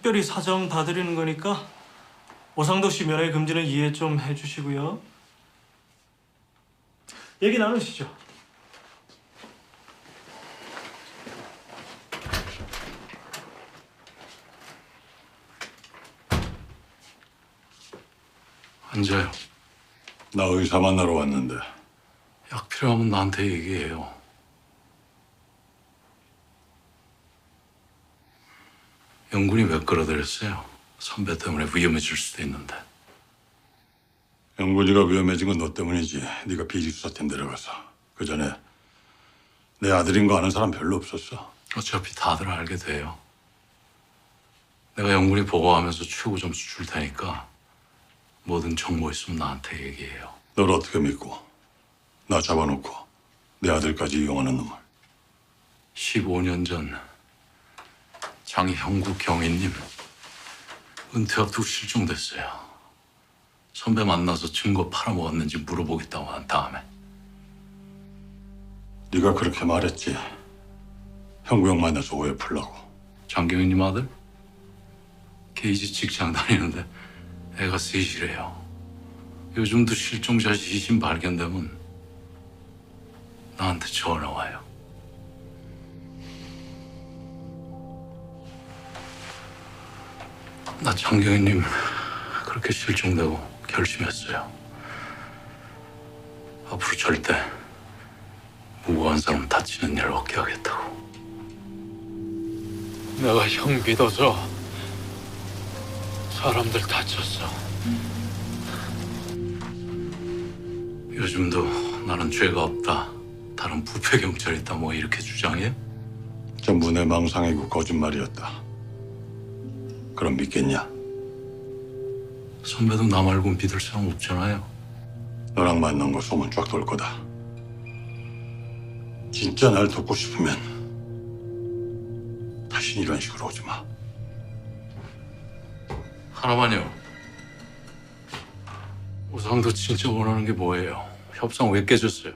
특별히 사정 봐드리는 거니까 오상도 씨 면회 금지는 이해 좀 해주시고요. 얘기 나누시죠. 앉아요. 나 의사 만나러 왔는데. 약 필요하면 나한테 얘기해요. 영군이 왜 끌어들였어요? 선배 때문에 위험해질 수도 있는데. 영gun이가 위험해진 건 너 때문이지. 네가 비리수사팀 데려가서. 그 전에 내 아들인 거 아는 사람 별로 없었어. 어차피 다들 알게 돼요. 내가 영군이 보고하면서 최고 점수 줄 테니까 뭐든 정보 있으면 나한테 얘기해요. 널 어떻게 믿고 나 잡아놓고 내 아들까지 이용하는 놈을. 15년 전 장형국 경위님 은퇴 앞두고 실종됐어요. 선배 만나서 증거 팔아먹었는지 물어보겠다고 한 다음에. 네가 그렇게 말했지. 형구 형 만나서 오해 풀라고. 장경희님 아들? 케이지 직장 다니는데 애가 셋이래요. 요즘도 실종자 시신 발견되면 나한테 전화 와요. 나 장경희님 그렇게 실종되고 결심했어요. 앞으로 절대 무고한 사람 다치는 일 없게 하겠다고. 내가 형 믿어서 사람들 다쳤어. 요즘도 나는 죄가 없다. 다른 부패 경찰이 있다 뭐 이렇게 주장해? 전부 내 망상이고 거짓말이었다. 그럼 믿겠냐? 선배도 나 말고 믿을 사람 없잖아요. 너랑 만난 거 소문 쫙 돌 거다. 진짜 날 돕고 싶으면 다신 이런 식으로 오지 마. 하나만요. 우상도 진짜 원하는 게 뭐예요? 협상 왜 깨졌어요?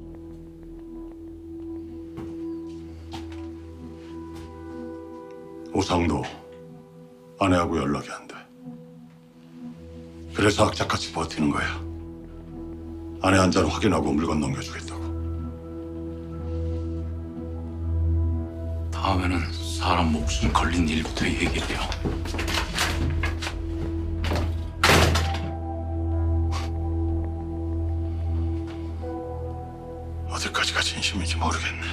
오상도 아내하고 연락이 안 돼. 그래서 악착같이 버티는 거야. 아내 한 잔 확인하고 물건 넘겨주겠다고. 다음에는 사람 목숨 걸린 일부터 얘기해요. 어디까지가 진심인지 모르겠네.